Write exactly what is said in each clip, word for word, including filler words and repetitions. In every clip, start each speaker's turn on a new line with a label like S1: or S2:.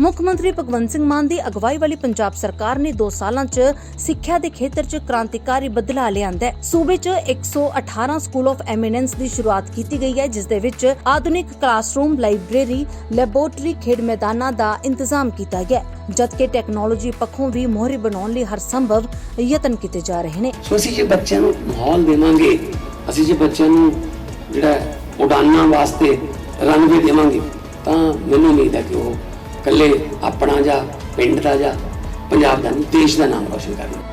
S1: ਮੁੱਖ ਮੰਤਰੀ ਭਗਵੰਤ ਸਿੰਘ ਮਾਨ ਦੀ ਅਗਵਾਈ ਵਾਲੀ ਪੰਜਾਬ ਸਰਕਾਰ ਨੇ ਦੋ ਸਾਲਾਂ 'ਚ ਸਿੱਖਿਆ ਦੇ ਖੇਤਰ 'ਚ ਕ੍ਰਾਂਤੀਕਾਰੀ ਬਦਲਾਅ ਲਿਆਂਦਾ ਹੈ। ਸੂਬੇ 'ਚ ਇੱਕ ਸੌ ਅਠਾਰਾਂ ਸਕੂਲ ਆਫ ਐਮੀਨੈਂਸ ਦੀ ਸ਼ੁਰੂਆਤ ਕੀਤੀ ਗਈ ਹੈ, ਜਿਸ ਦੇ ਵਿੱਚ ਆਧੁਨਿਕ ਕਲਾਸਰੂਮ, ਲਾਇਬ੍ਰੇਰੀ, ਲੈਬੋਰੇਟਰੀ, ਖੇਡ ਮੈਦਾਨਾਂ ਦਾ ਇੰਤਜ਼ਾਮ ਕੀਤਾ ਗਿਆ, ਜਦਕਿ ਟੈਕਨੋਲੋਜੀ ਪੱਖੋਂ ਵੀ ਮੋਹਰੀ ਬਣਾਉਣ ਲਈ ਹਰ ਸੰਭਵ ਯਤਨ ਕੀਤੇ ਜਾ ਰਹੇ ਨੇ।
S2: ਸੋ ਅਸੀਂ ਜੇ ਬੱਚਿਆਂ ਨੂੰ ਮਾਹੌਲ ਦੇਵਾਂਗੇ, ਅਸੀਂ ਜੇ ਬੱਚਿਆਂ ਨੂੰ ਜਿਹੜਾ ਉਡਾਨਾਂ ਵਾਸਤੇ ਰਨਵੇ ਦੇਵਾਂਗੇ, ਤਾਂ ਮੈਨੂੰ ਉਮੀਦ ਹੈ ਕਿ ਉਹ ਇਕੱਲੇ ਆਪਣਾ ਜਾਂ ਪਿੰਡ ਦਾ ਜਾਂ ਪੰਜਾਬ ਦਾ ਨਹੀਂ, ਦੇਸ਼ ਦਾ ਨਾਮ ਰੋਸ਼ਨ ਕਰਨਗੇ।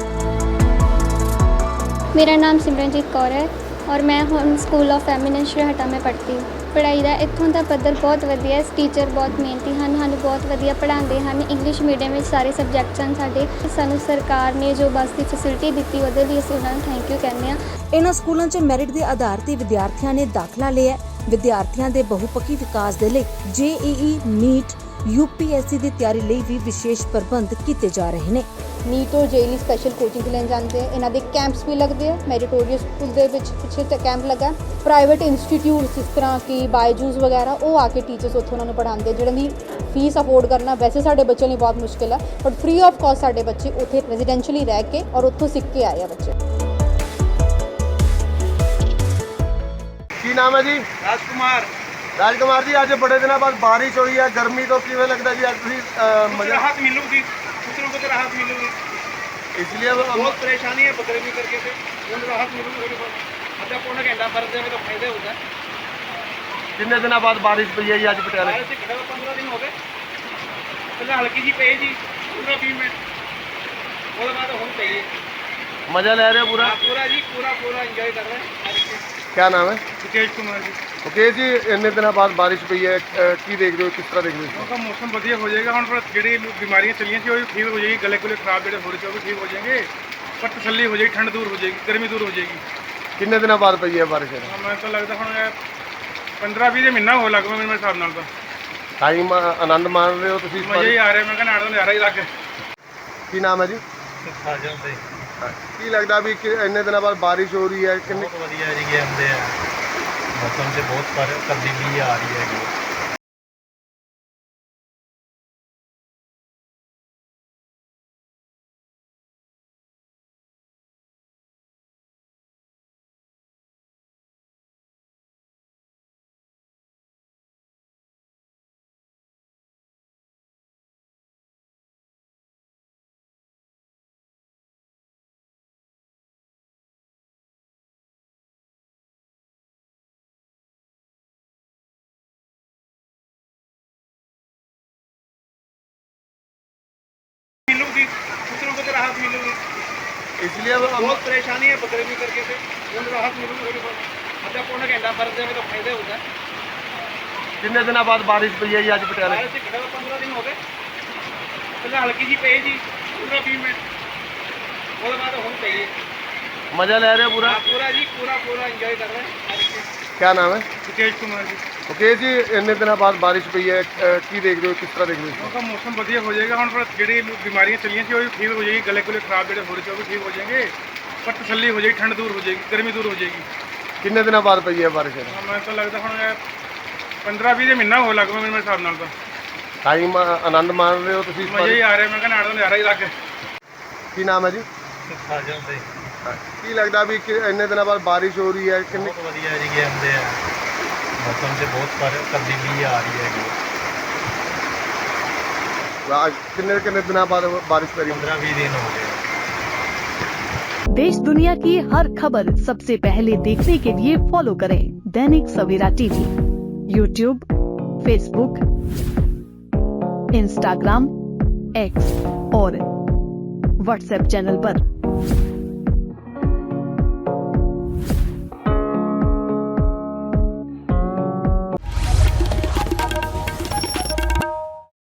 S3: मेरा नाम सिमरनजीत कौर है और मैं ਹੁਣ ਸਕੂਲ ਆਫ ਐਮੀਨੈਂਸ ਹਟਾ ਮੈਂ ਪੜ੍ਹਦੀ ਹਾਂ। ਪੜ੍ਹਾਈ ਦਾ ਇੱਥੋਂ ਦਾ ਪੱਧਰ ਬਹੁਤ ਵਧੀਆ ਹੈ। ਟੀਚਰ ਬਹੁਤ ਮਿਹਨਤੀ ਹਨ, ਸਾਨੂੰ ਬਹੁਤ ਵਧੀਆ ਪੜ੍ਹਾਉਂਦੇ ਹਨ। ਇੰਗਲਿਸ਼ ਮੀਡੀਅਮ ਵਿੱਚ ਸਾਰੇ ਸਬਜੈਕਟਸ ਹਨ ਸਾਡੇ। ਸਾਨੂੰ ਸਰਕਾਰ ਨੇ ਜੋ ਬੱਸ ਦੀ ਫੈਸਿਲਿਟੀ ਦਿੱਤੀ, ਉਹਦੇ ਲਈ ਅਸੀਂ ਉਹਨਾਂ ਨੂੰ ਥੈਂਕ ਯੂ ਕਹਿੰਦੇ ਹਾਂ।
S1: ਇਹਨਾਂ ਸਕੂਲਾਂ 'ਚ ਮੈਰਿਟ ਦੇ ਆਧਾਰ ਤੇ ਵਿਦਿਆਰਥੀਆਂ ਨੇ ਦਾਖਲਾ ਲਿਆ। ਵਿਦਿਆਰਥੀਆਂ ਦੇ ਬਹੁਪੱਖੀ ਵਿਕਾਸ ਦੇ ਲਈ J E E, NEET, U P S C ਦੀ ਤਿਆਰੀ ਲਈ ਵੀ ਵਿਸ਼ੇਸ਼ ਪ੍ਰਬੰਧ ਕੀਤੇ ਜਾ ਰਹੇ ਨੇ।
S4: ਨੀਟ और जे ई ਲਈ ਸਪੈਸ਼ਲ ਕੋਚਿੰਗ ਲੈਣ ਜਾਂਦੇ ਆ। ਇਹਨਾਂ ਦੇ ਕੈਂਪਸ ਵੀ ਲੱਗਦੇ ਆ। ਮੈਰੀਟੋਰੀਅਸ ਸਕੂਲ ਦੇ ਵਿੱਚ ਪਿੱਛੇ ਤੇ ਕੈਂਪ ਲੱਗਾ। ਪ੍ਰਾਈਵੇਟ ਇੰਸਟੀਟਿਊਟਸ ਜਿਸ ਤਰ੍ਹਾਂ ਕਿ ਬਾਇਜੂਸ ਵਗੈਰਾ, ਉਹ ਆ ਕੇ ਟੀਚਰਸ ਉੱਥੋਂ ਉਹਨਾਂ ਨੂੰ ਪੜ੍ਹਾਉਂਦੇ, ਜਿਹਨਾਂ ਦੀ ਫੀਸ ਅਫੋਰਡ ਕਰਨਾ ਵੈਸੇ ਸਾਡੇ ਬੱਚਿਆਂ ਲਈ ਬਹੁਤ ਮੁਸ਼ਕਿਲ ਹੈ, ਬਟ ਫ੍ਰੀ ਆਫ ਕਾਸਟ ਸਾਡੇ ਬੱਚੇ ਉੱਥੇ ਰੈਜ਼ੀਡੈਂਸ਼ੀਅਲੀ ਰਹਿ ਕੇ ਔਰ ਉੱਥੋਂ ਸਿੱਖ ਕੇ ਆਏ ਆ ਬੱਚੇ।
S5: ਕੀ ਨਾਮ ਹੈ ਜੀ?
S6: ਰਾਜਕੁਮਾਰ।
S5: ਰਾਜਕੁਮਾਰ ਜੀ, ਅੱਜ ਬੜੇ ਦਿਨਾਂ ਬਾਅਦ ਬਾਰਿਸ਼ ਹੋਈ ਹੈ, ਗਰਮੀ ਤੋਂ ਕਿਵੇਂ ਲੱਗਦਾ ਜੀ? ਅੱਜ ਤੁਸੀਂ
S6: मुझे राहत मिलूगी, दूसरों को तो राहत मिलूगी,
S5: इसलिए
S6: बहुत परेशानी है बकरीदी करके से उनको राहत मिलूगी थोड़ी बहुत। अच्छा पौना घंटा फर्क देवे तो फायदा होता है।
S5: कितने दिनों बाद बारिश पई है जी आज पटियाले?
S6: बारिश से घटा पंद्रह दिन हो गए, पहले हल्की जी पे जी पंद्रह बीस मिनट, उसके बाद हम चाहिए।
S5: मजा ले रहे हो पूरा?
S6: हाँ, पूरा जी पूरा पूरा इंजॉय कर रहे हैं।
S5: क्या नाम है?
S6: मुकेश कुमार जी।
S5: ओके जी, इन्ने दिनों बाद बारिश पई है, की देख रहे हो, किस तरह देख रहे हो?
S6: उनका मौसम बढ़िया हो जाएगा। हम पर ਜਿਹੜੀ बीमारियां चलियां थी वो भी ठीक हो जाएगी, गले गुले खराब ਜਿਹੜੇ ਹੋ ਰਹੇ थे वो भी ठीक हो जाएंगे, पर तसल्ली हो जाएगी, ठंड दूर हो जाएगी, गर्मी दूर हो जाएगी।
S5: कितने दिनों बाद पई है बारिश?
S6: ਮੈਨੂੰ ਤਾਂ ਲੱਗਦਾ ਹੁਣ पंद्रह बीस ਮਹੀਨਾ ਹੋ ਲੱਗ ਪਿਆ ਮੇਰੇ ਹਿਸਾਬ ਨਾਲ। ਤਾਂ
S5: टाइम आनंद मान रहे हो तुसी?
S6: ਮਜ਼ਾ ਹੀ ਆ ਰਿਹਾ। ਮੈਂ ਕਹਿੰਦਾ ਆੜਾ ਨਜ਼ਾਰਾ ਹੀ ਲੱਗ।
S5: की नाम है जी?
S7: ਸਾਜਨ ਤੇ
S5: की लगता भी कि इन्ने दिनों बाद बारिश हो रही है, किन्ने
S7: ਬਹੁਤ ਵਧੀਆ ਜੀ ਗੇਮ ਦੇ ਆ। ਮੌਸਮ 'ਚ ਬਹੁਤ ਪਰ ਤਬਦੀਲੀ ਆ ਰਹੀ ਹੈਗੀ।
S6: मिलूगी, दूसरों को तो राहत मिलूगी,
S5: इसलिए अब हम-
S6: बहुत परेशानी है बकरीदी करके से उनको राहत मिलूगी थोड़ी बहुत। अच्छा पौना घंटा फर्क देवे तो फायदा होता है।
S5: कितने दिनों बाद बारिश पई है जी आज पटियाले?
S6: बारिश से घटा पंद्रह दिन हो गए, पहले हल्की जी पे जी पंद्रह बीस मिनट, उसके बाद हम चाहिए।
S5: मजा ले रहे हो पूरा?
S6: हाँ, पूरा जी पूरा पूरा इंजॉय कर रहे हैं।
S5: क्या नाम है?
S6: मुकेश कुमार जी।
S5: ओके जी, इन्ने दिनों बाद बारिश पई है, की देख रहे हो, किस तरह देख रहे हो?
S6: उनका मौसम बढ़िया हो जाएगा। हम पर ਜਿਹੜੀ बीमारियां चलियां थी वो भी ठीक हो जाएगी, गले गुले खराब ਜਿਹੜੇ ਹੋ ਰਹੇ थे वो भी ठीक हो जाएंगे, पर तसल्ली हो जाएगी, ठंड दूर हो जाएगी, गर्मी दूर हो जाएगी।
S5: कितने दिनों बाद पई है बारिश?
S6: ਮੈਨੂੰ ਤਾਂ ਲੱਗਦਾ ਹੁਣ पंद्रह बीस ਮਹੀਨਾ ਹੋ ਲੱਗ ਪਿਆ ਮੇਰੇ ਹਿਸਾਬ ਨਾਲ। ਤਾਂ
S5: टाइम आनंद मान रहे हो तुसी?
S6: ਮਜ਼ਾ ਹੀ ਆ ਰਿਹਾ। ਮੈਂ ਕਹਿੰਦਾ ਆੜਾ ਨਜ਼ਾਰਾ ਹੀ ਲੱਗ।
S5: की नाम है जी?
S7: ਸਾਜਨ ਤੇ
S5: की लगता भी कि इन्ने दिनों बाद बारिश हो रही है, किन्ने
S7: ਬਹੁਤ ਵਧੀਆ ਜੀ ਗੇਮ ਦੇ ਆ। ਮੌਸਮ 'ਚ ਬਹੁਤ ਪਰ ਤਬਦੀਲੀ ਆ ਰਹੀ ਹੈਗੀ।
S5: किन्ने किन्ने दिनों बाद बारिश पड़ी?
S7: पंद्रह बीस दिन हो गए।
S8: देश दुनिया की हर खबर सबसे पहले देखने के लिए फॉलो करें Dainik Savera TV, YouTube, Facebook, Instagram, X और व्हाट्सएप चैनल पर।